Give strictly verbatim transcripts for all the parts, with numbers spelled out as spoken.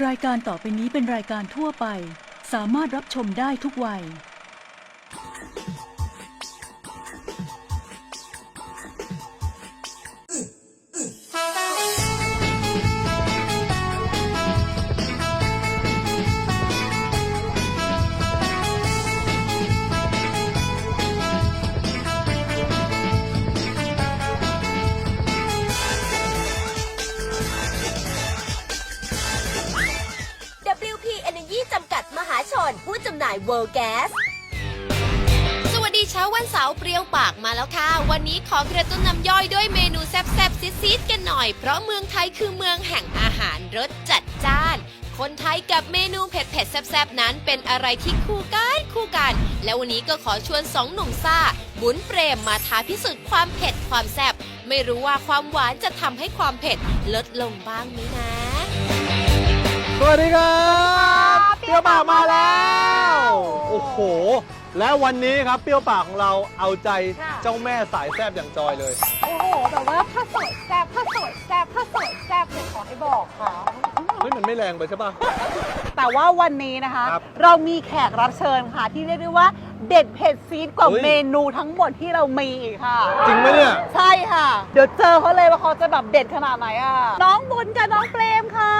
รายการต่อไปนี้เป็นรายการทั่วไปสามารถรับชมได้ทุกวัยผู้จำหน่าย World Gas สวัสดีเช้าวันเสาร์เปรี้ยวปากมาแล้วค่ะวันนี้ขอกระตุ้นน้ำย่อยด้วยเมนูแซ่บๆซีดๆกันหน่อยเพราะเมืองไทยคือเมืองแห่งอาหารรสจัดจ้านคนไทยกับเมนูเผ็ดๆแซ่บๆนั้นเป็นอะไรที่คู่กันคู่กันและวันนี้ก็ขอชวนสองหนุ่มซ่าบุญเปรมมาท้าพิสูจน์ความเผ็ดความแซ่บไม่รู้ว่าความหวานจะทำให้ความเผ็ดลดลงบ้างไหมนะสวัสดีครับเปรี้ยวปากมาแล้วโอ้โหและวันนี้ครับเปรี้ยวปากของเราเอาใจเจ้าแม่สายแซ่บอย่างจอยเลยโอ้โหแบบว่าถ้าสวยแซ่บถ้าสวยแซ่บถ้าสวยแซ่บเลยขอให้บอกค่ะเฮ้ยมันไม่แรงไปใช่ป่ะแต่ว่าวันนี้นะคะเรามีแขกรับเชิญค่ะที่เรียกได้ว่าเด็ดเผ็ดซีดกว่าเมนูทั้งหมดที่เรามีอีกค่ะจริงไหมเนี่ยใช่ค่ะเดี๋ยวเจอเขาเลยว่าเขาจะแบบเด็ดขนาดไหนอ่ะน้องบุญกับน้องเปรมค่ะ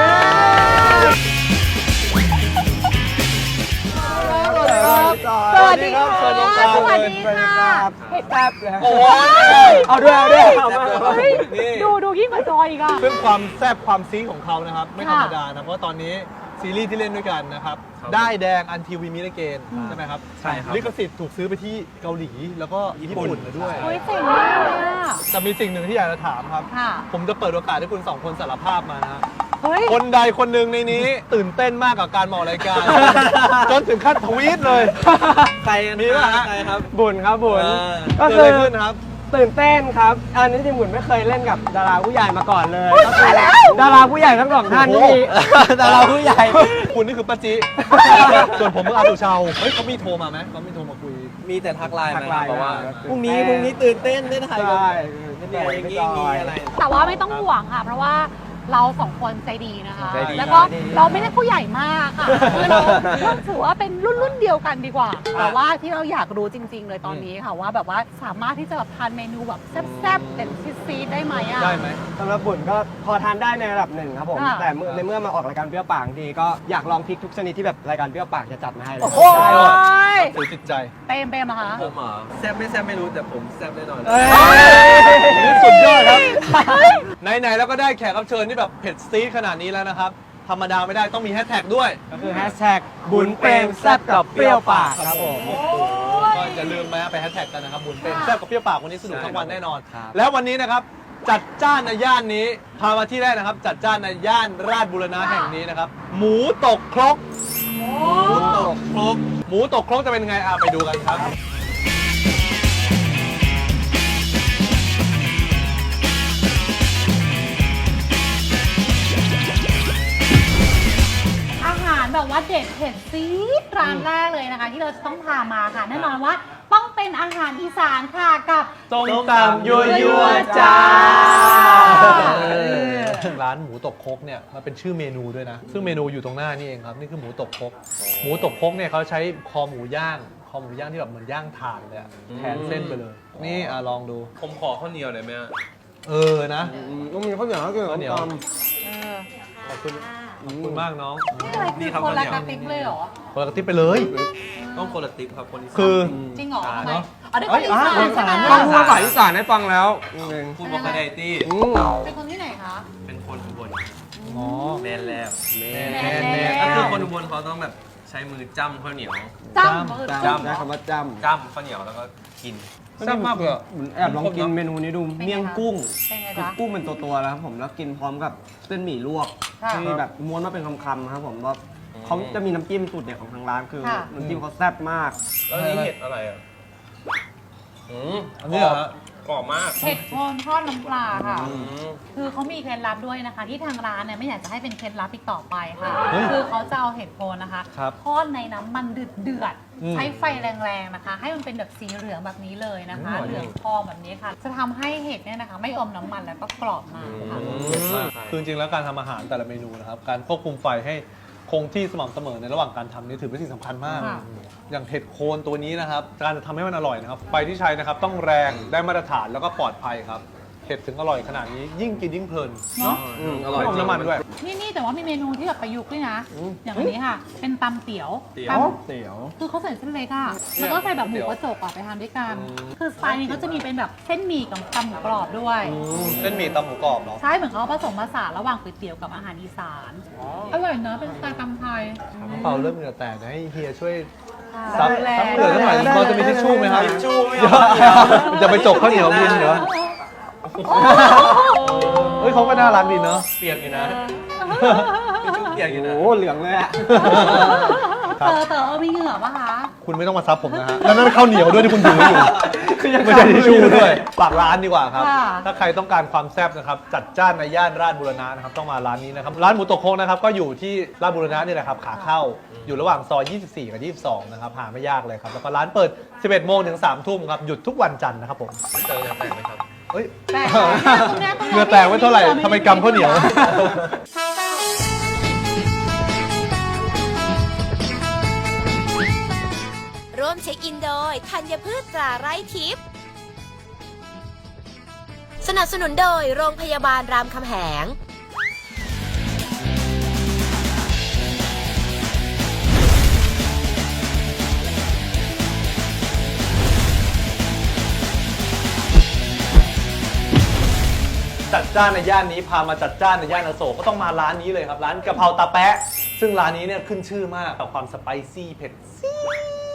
สวัสดีครับสวัสดีค่ะสวัสดีค่ะเผ็ดแบบโอ้ยเอาด้วยเอาด้วยเอามาดูดูยิ่งกว่าจอยอีกอ่ะเรื่องความแซ่บความซีของเขานะครับไม่ธรรมดานะเพราะตอนนี้ซีรีส์ที่เล่นด้วยกันนะครับได้แดงอันทีวีมิเรเกนใช่ไหมครับใช่ครับลิขสิทธิ์ถูกซื้อไปที่เกาหลีแล้วก็ญี่ปุ่นด้วยเฮ้ยเจ๋งมากเลยอ่ะแต่มีสิ่งหนึ่งที่อยากจะถามครับผมจะเปิดโอกาสให้คุณสองคนสารภาพมานะคนใดคนหนึ่งในนี้ตื่นเต้นมากกับการมองรายการจนถึงขั้นทวีตเลยใครมีป่ะฮะบุญครับบุญก็คือขึ้นครับตื่นเต้นครับอันนี้จริงบุญไม่เคยเล่นกับดาราผู้ใหญ่มาก่อนเลยก็คือดาราผู้ใหญ่ทั้งสองท่านนี่ดาราผู้ใหญ่คุณนี่คือป้าจิส่วนผมคืออาตุเชาเฮ้ยเขามีโทรมาไหมเขามีโทรมาคุยมีแต่ทักไลน์มาเพราะว่าพรุ่งนี้พรุ่งนี้ตื่นเต้นได้ถ่ายกันนี่อย่างนี้มีอะไรแต่ว่าไม่ต้องห่วงค่ะเพราะว่าเราสองคนใจดีนะคะแล้วก็เราไม่ได้ผู้ใหญ่มากค่ะคือเราถือว่าเป็นรุ่นรุ่นเดียวกันดีกว่าแต่ว่าที่เราอยากรู้จริงๆเลยตอนนี้ค่ะว่าแบบว่าสามารถที่จะแบบทานเมนูแบบแซ่บๆเด็ดซีดๆได้ไหมอ่ะได้ไหมสำหรับบุญก็พอทานได้ในระดับหนึ่งครับผมแต่ในเมื่อมาออกรายการเปรี้ยวปากดีก็อยากลองพริกทุกชนิดที่แบบรายการเปรี้ยวปากจะจัดมาให้เลยโอ้โหถือจิตใจเปมเปมอะคะผมเหรอแซ่บไม่แซ่บไม่รู้แต่ผมแซ่บแน่นอนนี่สุดยอดครับไหนๆแล้วก็ได้แขกรับเชิญที่แบบเผ็ดซีดขนาดนี้แล้วนะครับธรรมดาไม่ได้ต้องมีแฮชแท็กด้วยก็คือแฮชแท็กบุญเปรมแซ่บกับเปรี้ยวปากครับผมก็อย่าลืมมาไปแฮชแท็กกันนะครับบุญเปรมแซ่บกับเปรี้ยวปากวันนี้สนุกทั้งวันแน่นอนแล้ววันนี้นะครับจัดจ้านในย่านนี้พามาที่แรกนะครับจัดจ้านในย่านราชบูรณะแห่งนี้นะครับหมูตกครกหมูตกครกหมูตกครกจะเป็นไงอ่ะไปดูกันครับแบบว่าเด็ดเผ็ดซีดร้านแรกเลยนะคะที่เราจะต้องพามาค่ะแน่นอนว่าต้องเป็นอาหารอีสานค่ะกับส้มตำยั่วยั่วจ้าร้านหมูตกครกเนี่ยมันเป็นชื่อเมนูด้วยนะซึ่งเมนูอยู่ตรงหน้านี่เองครับนี่คือหมูตกครกหมูตกครกเนี่ยเขาใช้คอหมูย่างคอหมูย่างที่แบบเหมือนย่างถ่านเลยแทนเส้นไปเลยนี่อ่ะลองดูผมขอข้าวเหนียวหน่อยไหมเออนะต้องมีข้าวเหนียวข้าวเหนียวขอบคุณขอบคุณมากน้องนี่คือคนละกระติบเลยเหรอคนละกระติบไปเลยต้องคนละติ๊บครับคนอีสานคือจริงเหรอทำไมอ๋อได้คนอีสานต้องพูดภาษาอีสานให้ฟังแล้วพูดบอกกระไดตี้เป็นคนที่ไหนคะเป็นคนอุบลอ๋อแมนแล้วแมนแมนแมนก็คือคนอุบลเขาต้องแบบใช้มือจ้ำข้าวเหนียวจ้ำจ้ำใช้คำว่าจ้ำจ้ำข้าวเหนียวแล้วก็กินแซ่บมากเลยแอบลองกินเมนูนี้ดูเมี่ยงกุ้งคือกุ้งเป็นตัวๆแล้วครับผมแล้วกินพร้อมกับเส้นหมี่ลวกที่แบบม้วนมาเป็นคำๆครับผมว่าเขาจะมีน้ำจิ้มสูตรเด็ดของทางร้านคือน้ำจิ้มเขาแซ่บมากแล้วนี่เห็ดอะไรอ่ะอืมอันนี้เหรอกรอบมากเผ็ดโคนทอดน้ำปลาค่ะ คือเขามีเคล็ดลับด้วยนะคะ ที่ทางร้านเนี่ยไม่อยากจะให้เป็นเคล็ดลับอีกต่อไปค่ะเฮ้ยคือเขาจะเอาเห็ดโคนนะคะครับทอดในน้ำมันเดือดเดือดๆอืมใช้ไฟแรงๆนะคะ ให้มันเป็นแบบสีเหลืองแบบนี้เลยนะคะ เหลืองทองแบบนี้ค่ะ จะทำให้เห็ดเนี่ยนะคะ ไม่อมน้ำมันแล้วก็กรอบมากค่ะคือจริงๆแล้วการทำอาหารแต่ละเมนูนะครับ การควบคุมไฟให้คงที่สม่ำเสมอในระหว่างการทำนี่ถือเป็นสิ่งสำคัญมากค่ะอย่างเห็ดโคนตัวนี้นะครับ การจะทำให้มันอร่อยนะครับ ไฟที่ใช้นะครับต้องแรงได้มาตรฐานแล้วก็ปลอดภัยครับ เห็ดถึงอร่อยขนาดนี้ยิ่งกินยิ่งเพลินเนาะอืมอร่อยไม่อมน้ำมันด้วยนี่นี่แต่ว่ามีเมนูที่แบบประยุกต์ด้วยนะ อย่างอันนี้ค่ะ เป็นตำเตี๋ยวเตี๋ยวตำเตี๋ยวคือเขาใส่เส้นเล็กอะแล้วก็ใส่แบบหมูกระจกอะไปทานด้วยกัน คือสไตล์นี้เขาจะมีเป็นแบบเส้นหมี่กับตำหมูกรอบด้วยเส้นหมี่ตำหมูกรอบเนาะใช่เหมือนเขาผสมผสานระหว่างก๋วยเตี๋ยวกับอาหารอีสาน อร่อยเนอะเป็นสไตล์ตำไทยน้องเปาเริ่มเหงื่อแตกนะให้เฮียช่วยค่ะซับดูแลซับเหงื่อสักหน่อยพอจะมีทิชชู่ไหมครับทิชชู่ไม่เดี๋ยวเอาไม่เอาจะไปจกข้าวเหนียวกินเดี๋ยวเฮ้ยเขาก็น่ารักดีเนาะเปียกอยู่นะเปียกอยู่นะโอ้เหลืองเลยอะครัเต๋บอเต๋อเอามีเหงื่อปะคะคุณไม่ต้องมาซับผมนะฮะ แล้วนั่นข้าวเหนียวด้วยที่คุณถืออยู่ไม่ใช่ทิชชู่ด้วยฝากร้านดีกว่าครับค่ะถ้าใครต้องการความแซ่บนะครับ จัดจ้านในย่านราชบุรณะนะครับ ต้องมาร้านนี้นะครับ ร้านหมูตกโคกนะครับก็อยู่ที่ราชบุรณะนี่แหละครับขาเข้า อยู่ระหว่างซอย ยี่สิบสี่ กับ ยี่สิบสอง นะครับ หาไม่ยากเลยครับ แล้วก็ร้านเปิด สิบเอ็ด โมงถึง สาม ทุ่มครับ หยุดทุกวันจันทร์นะครับผมเจอแต่งไหมครับเฮ้ยแต่ตรงนี้ตรงนี้เหงื่อแตกไว้เท่าไหร่ทำไมกำข้าวเหนียวร่วมเช็คอินโดยธัญพืชตราไร่ทิพย์สนับสนุนโดยโรงพยาบาลรามคำแหงจัดจ้านในย่านนี้พามาจัดจ้านในย่านอโศกก็ต้องมาร้านนี้เลยครับ ร้านกะเพราตาแปะ ซึ่งร้านนี้เนี่ยขึ้นชื่อมากกับความสไปซี่เผ็ดซีด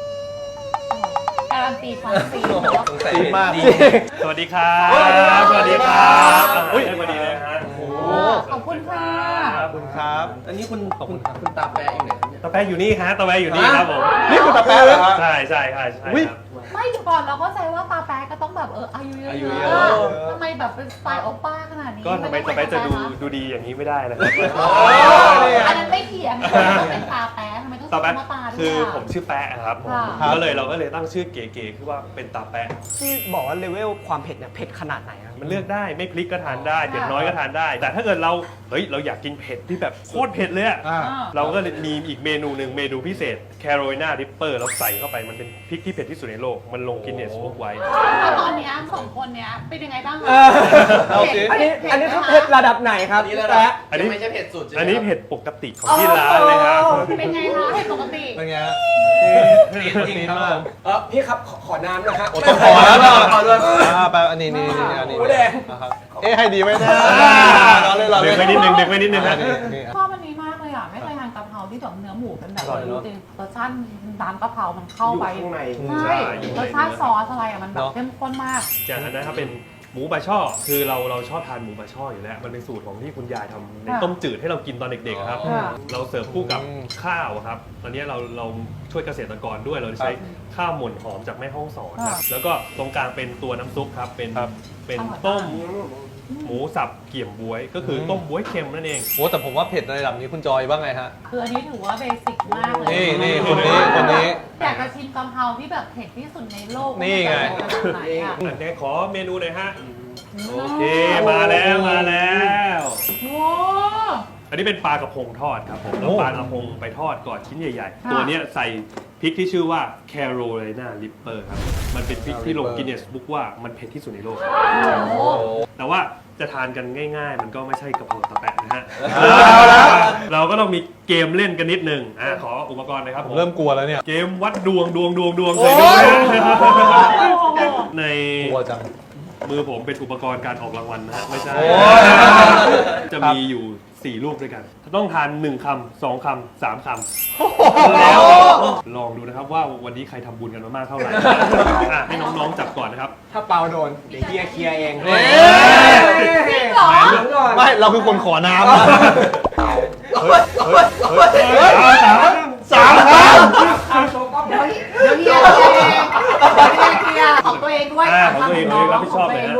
การันตีความซีดซีดมากสวัสดีครับสวัสดีครับอุ้ยพอดีเลยฮะโอ้โหขอบคุณค่ะขอบคุณครับอันนี้คุณขอบคุณครับคุณตาแปะอยู่ไหนครับเนี่ยตะแปะอยู่นี่ฮะตะแปะอยู่นี่ครับผมนี่คือตาแปะเหรอฮะใช่ใช่ใช่ใช่อุ๊ยครับไม่เดี๋ยวก่อนเราก็ใจว่าตาแป๊กก็ต้องแบบเอออายุเยอายุอะเยๆอะทำไมแบบเป็นสไตล์โอป้าขนาดนี้ก็ทำไมนต้ตะองแปะจะดูเป็นดูดีอย่างนี้ไม่ได้นะครับอันนั้นไม่เถียงต้องเป็นตาแป๊กทำไมต้องตาใช้แปะคำว่าตาด้วยคืออะผมชื่อแปะครับผมค่ะก็เลยเราก็เลยตั้งชื่อเก๋ๆคือว่าเป็นตาแปะที่บอกว่าเลเวลความเผ็ดเนี่ยเผ็ดขนาดไหนครับมันเลือกได้ไม่พริกก็ทานได้เผ็ดน้อยก็ทานได้ แต่ถ้าเกิดเราเฮ้ยเราอยากกินเผ็ดที่แบบโคตรเผ็ดเลยอะอ่าเราก็เลยมีอีกเมนูหนึ่งเมนูพิเศษแคโรไลนาริปเปอร์เราใส่เข้าไปมันเป็นพริกที่เผ็ดที่สุดในโลกมันลงกินเนสบุ๊กไว้แล้วตอนเนี้ยสองคนเนี้ยเป็นยังไงบ้างคะเอาสิอันนี้อันนี้คือเผ็ดระดับไหนครับแปะอันนี้ไม่ใช่เผ็ดสุดอันนี้เผ็ดปกติของที่ร้านเลยครับเป็นไงคะเห็นปกติเป็นไงฮะซีดมากเออพี่ครับขอขอน้ำนะฮะโอ้ต้องขอแล้วนะขอด้วยอ่าไปอันนี้นี่นี่อันนี้โอ้แดงนะครับเอ๊ะให้ดีไหมนะเราเลยเราเลดึยงไปนิดนึงดึงไปนิดนึงอันะนนี้นี่ชอบอันนี้มากเลยอ่ะ ไม่เคยทานกะเพราที่แบบเนื้อหมูเป็นแบบอร่อยเนอะจริงๆรสชาติร้านกะเพรามันเข้าไปอยู่ข้างในใช่รสชาติซอสอะไรอ่ะมันแบบเข้มข้นมากจากนั้นนะครับเป็นหมูบาช่อคือเราเราชอบทานหมูบาช่ออยู่แล้ว มันเป็นสูตรของที่คุณยายทำในค่ะต้มจืดให้เรากินตอนเด็กๆอะครับค่ะเราเสิร์ฟคู่กับอืมข้าวอะครับตอนนี้เราเราช่วยเกษตรกรด้วยเราใช้ข้าวหม่นหอมจากแม่ฮ่องสอนครับค่ะแล้วก็ตรงกลางเป็นตัวน้ำซุปครับเป็นครับเป็นอร่อยมากต้มหมูสับเกี่ยมบ๊วย ก็คือต้มบ๊วยเค็มนั่นเองโอ้แต่ผมว่าเผ็ดในระดับนี้คุณจอยบ้างไงฮะคืออันนี้ถือว่าเบสิกมากเลยนี่นี่คนนี้คนนี้อยากจะชิมกะเพราที่แบบเผ็ดที่สุดในโลกนี่ไงว่าจะเป็นขนาดไหนอ่ะอันนี้ขอเมนูหน่อยฮะโอเคมาแล้วมาแล้วโอ้อันนี้เป็นปลากระพงทอดครับผมแล้วโอ้ปลากระพงไปทอดก่อนชิ้นใหญ่ค่ะๆ ตัวเนี้ยใส่พริกที่ชื่อว่า Carolina Reaper ครับ มันเป็นพริกที่ลงกินเนสบุ๊กว่ามันเผ็ดที่สุดในโลกโหแต่ว่าจะทานกันง่ายๆ มันก็ไม่ใช่กะเพราตะแปะนะฮะเอาแล้วเราก็ต้องมีเกมเล่นกันนิดนึงอ่ะขออุปกรณ์หนะครับผผม มเริ่มกลัวแล้วเนี่ยเกมวัดดวงดวงดวงดวงเคยดูไหมในกลัวจังมือผมเป็นอุปกรณ์การออกรางวัลนะฮะไม่ใช่โอ้ยจะมีอยู่สี่ลูกด้วยกัน ต้องทานหนึ่งคำสองคำสามคำแล้วลองดูนะครับว่าวันนี้ใครทำบุญกันมามากเท่าไหร่อ่ะให้น้องๆจับก่อนนะครับถ้าเปาโดนเดี๋ยวเฮียเคลียร์เองเฮ้ยจริงเหรอไม่เราคือคนขอน้ำอะเฮ้ยเฮ้ยเฮ้ยสามครั้งเดี๋ยวเดี๋ยวเฮียเคลียร์เองเดี๋ยวเฮียเคลียร์ของตัวเองด้วยอ่าของตัวเองขรับผิดชอบตัวเลยเอง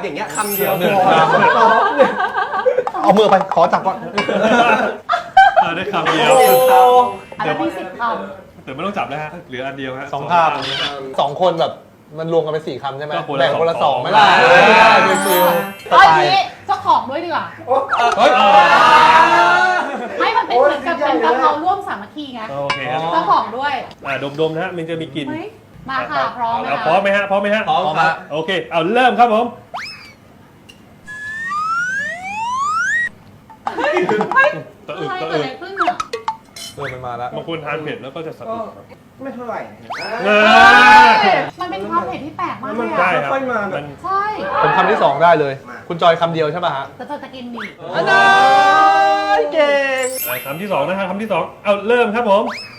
อย่างเงี้ยคำเดียวหนึ่งพอคำเอามือไปขอจับก่อนอ่าได้คำเดียวอันนั้นมีสิบคแต่ไม่ต้องจับแล้วฮะเหลืออันเดียวฮะสองคำสองคนแบบมันรวมกันเป็นสี่คำใช่ไหมก็คนละแบ่งคนละสสออง งไม่ได้เออเป็นฟิลำสเอ้ยไตล์นี้เจ้าของด้วยดีกว่าเฮ้ยไม่มันเป็นเหมือนกับเป็นกะเพราร่วมสามัคคีไงโอเคครับเจ้าของด้วยอ่าดมๆนะฮะมันจะมีกลิ่นเฮ้ยมาค่ะพร้อมไหมเอาคะพร้อมไหมฮะพร้อมไหมฮะพร้อมครับโอเคเอาเริ่มครับผมตะอึกอะไรตะเกิดอึอะไรกขึ้นอ่ะเริ่มมันมาแล้วบางคนทานเผ็ดแล้วก็จะสะอึกไม่เท่าไหร่อ่ามันเป็นความเผ็ดที่แปลกมากเลยใช่อ่ะครับค่อยๆมาแบบมันใช่ผมคำที่สองได้เลย คุณจอยคำเดียวใช่ป่ะฮะแต่เธอจะกินหมี่อันนั้นเก่งอ่าคำที่สองนะฮะคำที่สองเอาเริ่มครับผม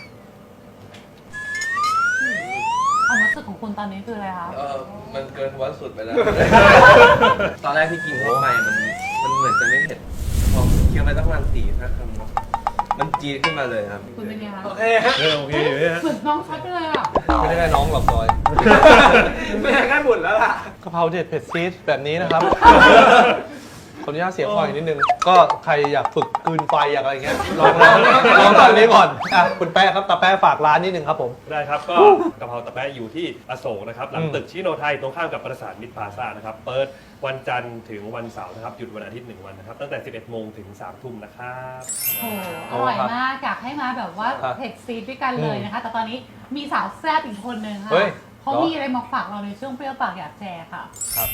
ความรู้สึกของคุณตอนนี้คืออะไรคะเออมันเกินวันสุดไปแล้ว ตอนแรกที่กินเข้าไปมัน มันเหมือนจะไม่เผ็ด พอเคี้ยวไปตั้งประมาณสี่ห้าคำมันจี๊ดขึ้นมาเลยครับคุณเป็นไงคะโอเคฮะเออโอเคอยู่เนี่ยฮะเหมือนน้องชัดไปเลยอ่ะไม่ได้แค่น้องหรอกจอยไม่ใช่แค่บุญแล้วล่ะกะเพราเด็ดเผ็ดซีดแบบนี้นะครับ ขออนุญาตเสียงคออีกนิดนึง ก็ใครอยากฝึกกลืนไฟอยากอะไรเงี้ย ลองลองลองตอนนี้ก่อนอ่ะคุณแป๊ะครับตาแป๊ะฝากร้านนิดนึงครับผมได้ครับก็กะเพราตะแปะอยู่ที่อโศกนะครับหลังอืมตึกชิโนไทยตรงข้ามกับปราสาทมิตรพลาซ่านะครับเปิดวันจันทร์ถึงวันเสาร์นะครับหยุดวันอาทิตย์หนึ่งวันนะครับตั้งแต่ สิบเอ็ดโมงถึงสามทุ่มนะครับโอ้โหอร่อยมากอยากให้มาแบบว่าครับเผ็ดซีดด้วยกันเลยนะคะ แต่ตอนนี้มีสาวแซ่บอีกคนนึงค่ะเฮ้ยเขามีอะไรมาฝากเราในช่วงเปรี้ยวปากอยากแชร์ค่ะครับ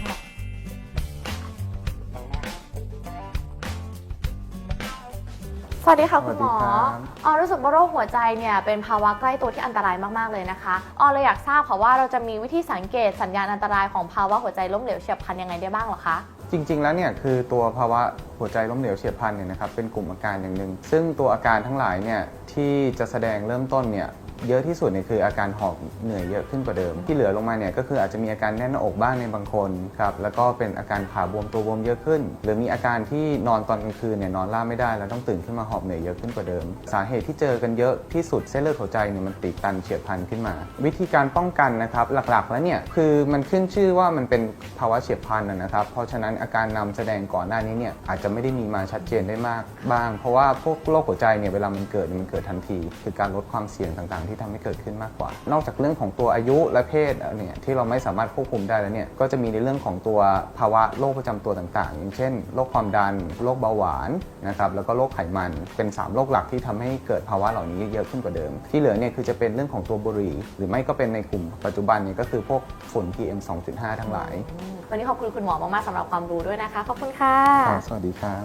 สวัสดีค่ะคุณหมอออรู้สึกว่าโรคหัวใจเนี่ยเป็นภาวะใกล้ตัวที่อันตรายมากๆเลยนะคะออเลยอยากทราบค่ะว่าเราจะมีวิธีสังเกตสัญญาณอันตรายของภาวะหัวใจล้มเหลวเฉียบพลันยังไงได้บ้างเหรอคะจริงๆ แล้วเนี่ยคือตัวภาวะหัวใจล้มเหลวเฉียบพลันเนี่ยนะครับเป็นกลุ่มอาการอย่างหนึ่งซึ่งตัวอาการทั้งหลายเนี่ยที่จะแสดงเริ่มต้นเนี่ยเยอะที่สุดเนี่ยคืออาการหอบเหนื่อยเยอะขึ้นกว่าเดิมที่เหลือลงมาเนี่ยก็คืออาจจะมีอาการแน่นหน้าอกบ้างในบางคนครับแล้วก็เป็นอาการขาบวมตัวบวมเยอะขึ้น หรือมีอาการที่นอนตอนกลางคืนเนี่ยนอนราบไม่ได้แล้วต้องตื่นขึ้นมาหอบเหนื่อยเยอะขึ้นกว่าเดิมสาเหตุที่เจอกันเยอะที่สุดเส้นเลือดหัวใจเนี่ยมันตีบตันเฉียบพลันขึ้นมา วิธีการป้องกันนะครับหลักๆแล้วเนี่ยคือมันขึ้นชื่อว่ามันเป็นภาวะเฉียบพลันนะครับเพราะฉะนั้นอาการนำแสดงก่อนหน้านี้เนี่ยอาจจะไม่ได้มีมาชัดเจนได้มากบ้างเพราะว่าพวกโรคหัวใจเนี่ยเวลามันเกิดมันเกิดทันทีคือการลดความเสี่ยงต่างๆที่ทำให้เกิดขึ้นมากกว่านอกจากเรื่องของตัวอายุและเพศเนี่ยที่เราไม่สามารถควบคุมได้แล้วเนี่ยก็จะมีในเรื่องของตัวภาวะโรคประจำตัวต่างๆอย่างเช่นโรคความดันโรคเบาหวานนะครับแล้วก็โรคไขมันเป็นสามโรคหลักที่ทำให้เกิดภาวะเหล่านี้เยอะขึ้นกว่าเดิมที่เหลือเนี่ยคือจะเป็นเรื่องของตัวบุหรี่หรือไม่ก็เป็นในกลุ่มปัจจุบันเนี่ยก็คือพวกฝุ่น พี เอ็ม สองจุดห้า ทั้งหลายวันนี้ขอบคุณคุณหมอมากๆสำหรับความรู้ด้วยนะคะขอบคุณค่ะสวัสดีครับ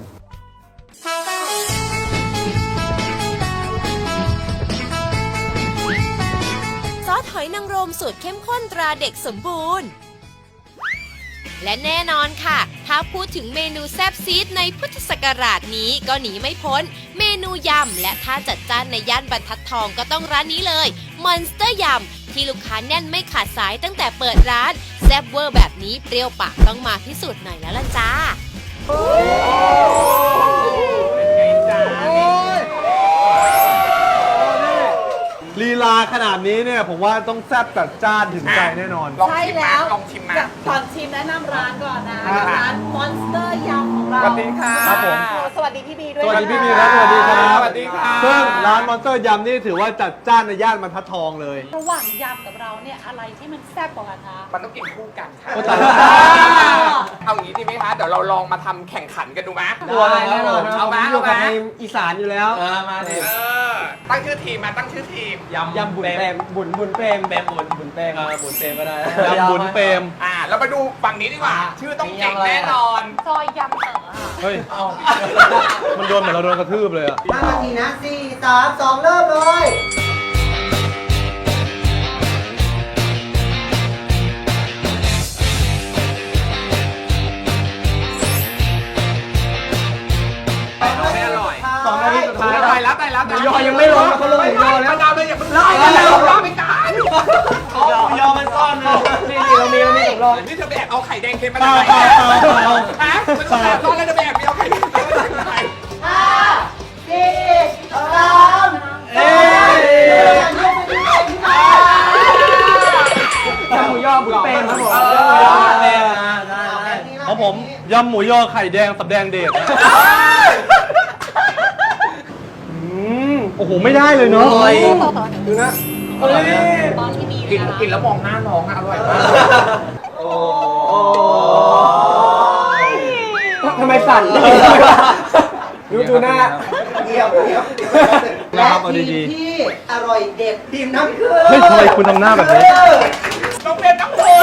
ซอสหอยนางรมสูตรเข้มข้นตราเด็กสมบูรณ์ และแน่นอนค่ะ ถ้าพูดถึงเมนูแซ่บซีดในพุทธศักราชนี้ก็หนีไม่พ้น เมนูยำและถ้าจัดจ้านในย่านบรรทัดทองก็ต้องร้านนี้เลย Monster ยำที่ลูกค้าแน่นไม่ขาดสายตั้งแต่เปิดร้านแซ่บเวอร์แบบนี้เปรี้ยวปากต้องมาพิสูจน์หน่อยแล้วล่ะจ้าลีลาขนาดนี้เนี่ยผมว่าต้องแซ่บจัดจ้านถึงใจแน่นอนใช่แล้วลองชิมมาก่อนชิมแนะนำร้านก่อนนะร้าน Monster ยำของเราสวัสดีค่ะครับผมสวัสดีพี่บีด้วยสวัสดีนะคะพี่บีครับสวัสดีครับสวัสดีครับซึ่งร้านมอนสเตอร์ยำนี่ถือว่าจัดจ้านในย่านบรรทัดทองเลยระหว่างยำกับเราเนี่ยอะไรที่มันแซ่บกว่ากันคะมันต้องกินคู่กันค่ะโอ้ตายแล้วเอาอย่างนี้ดีไหมคะ เดี๋ยวเราลองมาทำแข่งขันกันดูไหมตัวอะไรแน่นอนเอาไหมอยู่เอาไหมกับในอีสานอยู่แล้วเออมาดิเออ ตั้งชื่อทีมมาตั้งชื่อทีมยำยำบุญเปรมบุญบุญเปรมเปรมบุญบุญเปรมเออบุญเปรมก็ได้ยำบุญเปรมอ่า เรามาดูฝั่งนี้ดีกว่า ชื่อต้องเจ๋งแน่นอนซอยยำเต๋อค่ะเฮ้ย มันโดนเหมือนเราโดนกระทืบเลยอะห้านาทีนะสี่สามสองเริ่มเลยไม่อร่อยสองนาทีสุดท้ายตายแล้วตายแล้วหมูยอยังไม่ลงเขาเลยหมูยอแล้วมะนาวเลยอย่าเพิ่งไล่มะนาวรอไปก่อนยอมันซ่อนเลยนี่นี่เรามีเรามีสำรองนี่เธอไปแอบเอาไข่แดงเค็มมาเปจาล่ากไหนเปล่าเปล่าเปล่าฮะมันต้องแบบตอนแรกจะไปแอบไปเอาไข่แดงเค็มมาจากไหนเอ้ยยำหมูยอบุญเปรมครับผมเออหมูยอบุญเปรมอ่าได้ได้ำหมูยอไข่แดงสำแดงเดชนะอืมโอ้โหไม่ได้เลยเนาะดูนะเฮ้ยตอนที่มีกินกินแล้วมองหน้าน้องอะอร่อยมากทำไมสั่นดูดูหน้าเยี่ยมเยี่ยมและทีมที่อร่อยเด็ดทีมนั้นคือเฮ้ยทำไมคุณทำหน้าแบบนี้ต้องเป็นน้ำโขง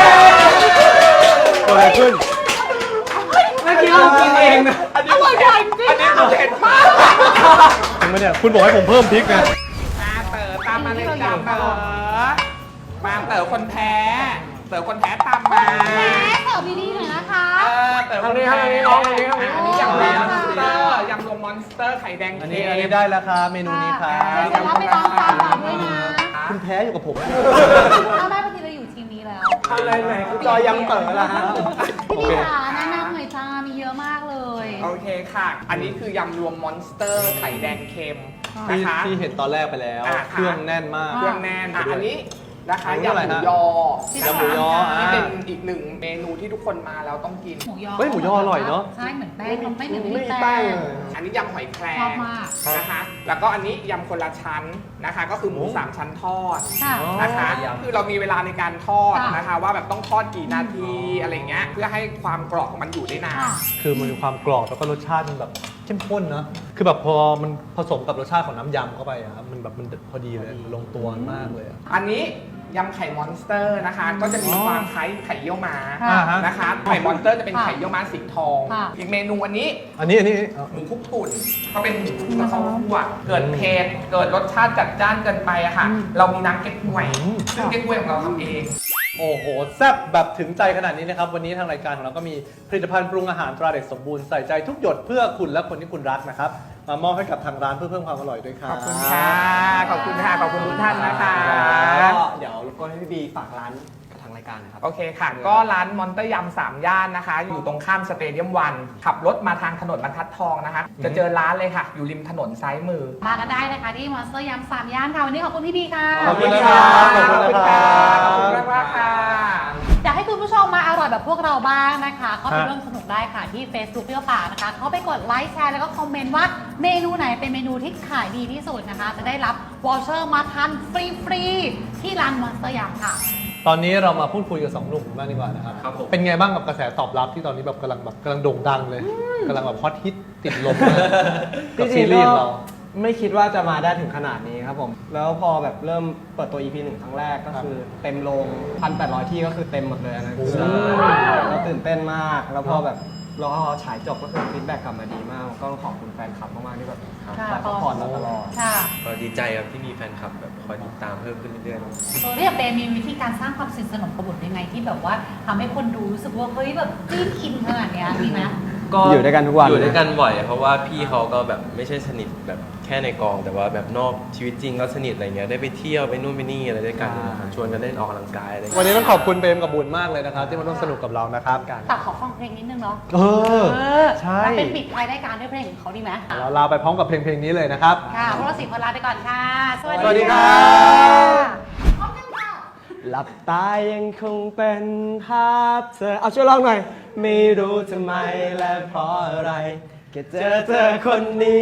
เกิดอะไรขึ้นเมื่อกี้เรากินเองนะอันนี้อร่อยจริงอันนี้คือเผ็ดมากจริงไหมเนี่ยคุณบอกให้ผมเพิ่มพริกไงมาเต๋อตามมาเลยจ้าเต๋อมาเต๋อคนแพ้เต๋อคนแพ้ตามมาแม่เสิร์ฟดีๆหน่อยนะคะเออเต๋อคนแพ้ทางนี้น้องทางนี้ทางนี้อันนี้ยำรวมมอนสเตอร์ยำรวมมอนสเตอร์ไข่แดงอันเค็นี้มอันนี้ได้แล้วครับเมนูนี้ครับเสร็จแล้วไปลองทานก่อนด้วยนะคุณแพ้อยู่กับผมถ้าได้ปกติเราอยู่ทีมนี้แล้วอะไรไหนคุณจอยยำเต๋อละฮะพี่พี่ขาแนะนำหน่อยจ้ามีเยอะมากเลยโอเคค่ะ อันนี้คือยำรวมมอนสเตอร์ไข่แดงเค็มนะที่คะที่เห็นตอนแรกไปแล้วอ่าเครื่องแน่นมากเครื่องแน่นอ่ะอันนี้นะคะอันนี้ยำอะไรหมูฮะยอยำหมูยอนะคะอ่านี่เป็นอีกหนึ่งเมนูที่ทุกคนมาแล้วต้องกินหมูยอเฮ้ยหมูยออร่อยเนอะใช่เหมือนแป้งมันไม่เหมือนไม่ไม่มีมีแป้แป้งงเลยอันนี้ยำหอยแครงชอบมากนะคะ แล้วก็อันนี้ยำคนละชั้นนะคะ ก็คือหมูสามชั้นทอดค่ะนะคะ คือเรามีเวลาในการทอดค่ะนะคะ ว่าแบบต้องทอดกี่นาทีอะไรเงี้ย เพื่อให้ความกรอบของมันอยู่ได้นานค่ะคือมันมีความกรอบแล้วก็รสชาติมันแบบเข้มข้นนะคือแบบพอมันผสมกับรสชาติของน้ำยำเข้าไปอะครับมันแบบมันพอดีเลยลงตัวมากเลยอะอันนี้ยำไข่มอนสเตอร์นะคะ ก็จะมีความคล้ายไข่เยี่ยวม้าค่ะนะคะ ไข่มอนสเตอร์จะเป็นค่ะไข่เยี่ยวม้าสีทองค่ะอีกเมนูอันนี้อันนี้อันนี้เอาหมูคลุกปุ่นก็เป็นหมูกระเพราคั่วเกิดเผ็ดเกิดรสชาติจัดจ้านเกินไปอะค่ะ เรามีน้ำเก๊กฮวย ซึ่งเก๊กฮวยของเราทำเองโอ้โหแซ่บแบบถึงใจขนาดนี้นะครับ วันนี้ทางรายการของเราก็มีผลิตภัณฑ์ปรุงอาหารตราเด็กสมบูรณ์ใส่ใจทุกหยดเพื่อคุณและคนที่คุณรักนะครับ มามอบให้กับทางร้านเพื่อเพิ่มความอร่อยด้วยครับขอบคุณค่ะ ขอบคุณค่ะ ขอบคุณทุกท่านนะคะก็เดี๋ยวรบกวนให้พี่บีฝากร้านกับทางรายการนะครับโอเคค่ะ ก็ร้านมอนเตอร์ยำสามย่านนะคะ อยู่ตรงข้ามสเตเดียมวันขับรถมาทางถนนบรรทัดทองนะคะ จะเจอร้านเลยค่ะ อยู่ริมถนนซ้ายมือมากันได้นะคะที่มอนสเตอร์ยำสามย่านค่ะวันนี้ขอบคุณพี่บีค่ะขอบคุณนะครับขอบคุณขอบคุณค่ะครับขอบคุณมากๆค่ะอยากให้คุณผู้ชมมาอร่อยแบบพวกเราบ้างนะคะก็ไปฮะร่วมสนุกได้ค่ะที่ Facebook เปรี้ยวปากนะคะเข้าไปกดไลค์แชร์แล้วก็คอมเมนต์ว่าเมนูไหนเป็นเมนูที่ขายดีที่สุดนะคะ จะได้รับวอเชอร์มาทานฟรีๆที่ร้านมอนสเตอร์ยำค่ะตอนนี้เรามาพูดคุยกับสองหนุ่มบ้างดีกว่านะครับครับผมเป็นไงบ้างกับกระแสตอบรับที่ตอนนี้แบบกำลังแบบกำลังโด่งดังเลยกำลังแบบฮอตฮิตติดลมมากกับซีรีส์ของเราไม่คิดว่าจะมาได้ถึงขนาดนี้ครับผม แล้วพอแบบเริ่มเปิดตัว อี พี หนึ่งครั้งแรกก็คือเต็มโรงพันแปดร้อยที่ก็คือเต็มหมดเลยอันนะโอ้โหแล้วตื่นเต้นมาก แล้วพอแบบเราฉายจบก็คือฟีดแบ็กกลับมาดีมาก ก็ขอบคุณแฟนคลับมากๆที่แบบค่ะคอยซัพพอร์ตเราตลอดค่ะก็ดีใจครับที่มีแฟนคลับแบบคอยติดตามเพิ่มขึ้นเรื่อยๆแล้วอย่างเปย์มีวิธีการสร้างความสนิทสนมกับบุตรยังไงที่แบบว่าทำให้คนดูรู้สึกว่าเฮ้ยแบบจิ้นอินขนาดเนี้ยมีไหมก็อยู่ด้วยกันทุกวันอยู่ด้วยกันบ่อย เพราะว่าพี่เขาก็แบบไม่ใช่สนิทแบบแค่ในกอง แต่ว่าแบบนอกชีวิตจริงก็สนิทอะไรเงี้ยได้ไปเที่ยวไปนู่นไปนี่อะไรด้วยกันชวนกันเล่นออกกำลังกายอะไรเงี้ยวันนี้ต้องขอบคุณเปรมกับบุญมากเลยนะครับ ที่มาร่วมสนุกกับเรานะครับแต่ขอฟังเพลงนิดนึงเนาะเออเออใช่แล้วเป็นปิดท้ายรายการด้วยเพลงของเขาดีไหมเราลาไปพร้อมกับเพลงเพลงนี้เลยนะครับค่ะพวกเราสี่คนลาไปก่อนค่ะ สวัสสวัสดีดีครัค่ะบพร้อมกันค่ะหลับตายังคงเป็นภาพเธอ เอาช่วยร้องหน่อย ไม่รู้ทำไมและเพราะอะไรแค่เจอเธอคนนี้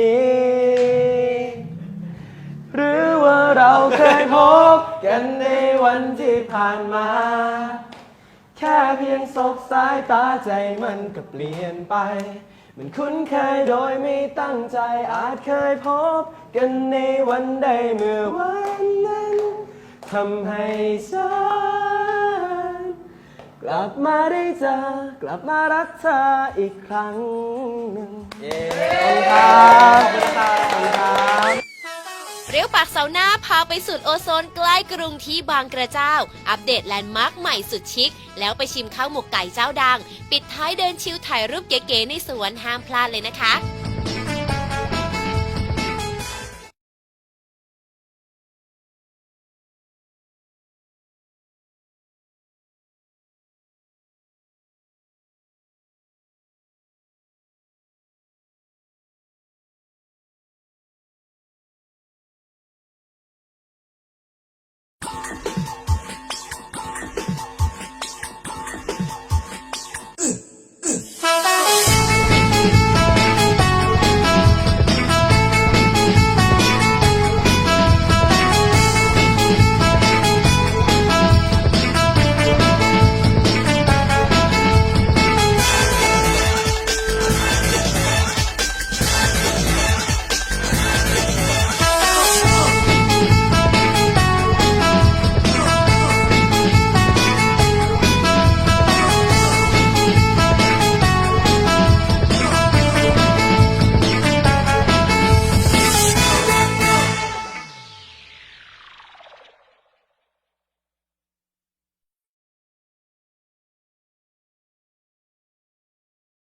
หรือว่าเราเคยพบกันในวันที่ผ่านมา แค่เพียงสบสายตาใจมันก็เปลี่ยนไป มันคุ้นเคยโดยไม่ตั้งใจอาจเคยพบกันในวันใดเมื่อวันนั้นทำให้ฉันกลับมาได้เจอกลับมารักเธออีกครั้งหนึ่งเย้ขอบคุณครับขอบคุณครับเปรี้ยวปากเสาร์หน้าพาไปสุดโอโซนใกล้กรุงที่บางกระเจ้า อัปเดตแลนด์มาร์คใหม่สุดชิค แล้วไปชิมข้าวหมกไก่เจ้าดัง ปิดท้ายเดินชิลถ่ายรูปเก๋ๆในสวนห้ามพลาดเลยนะคะ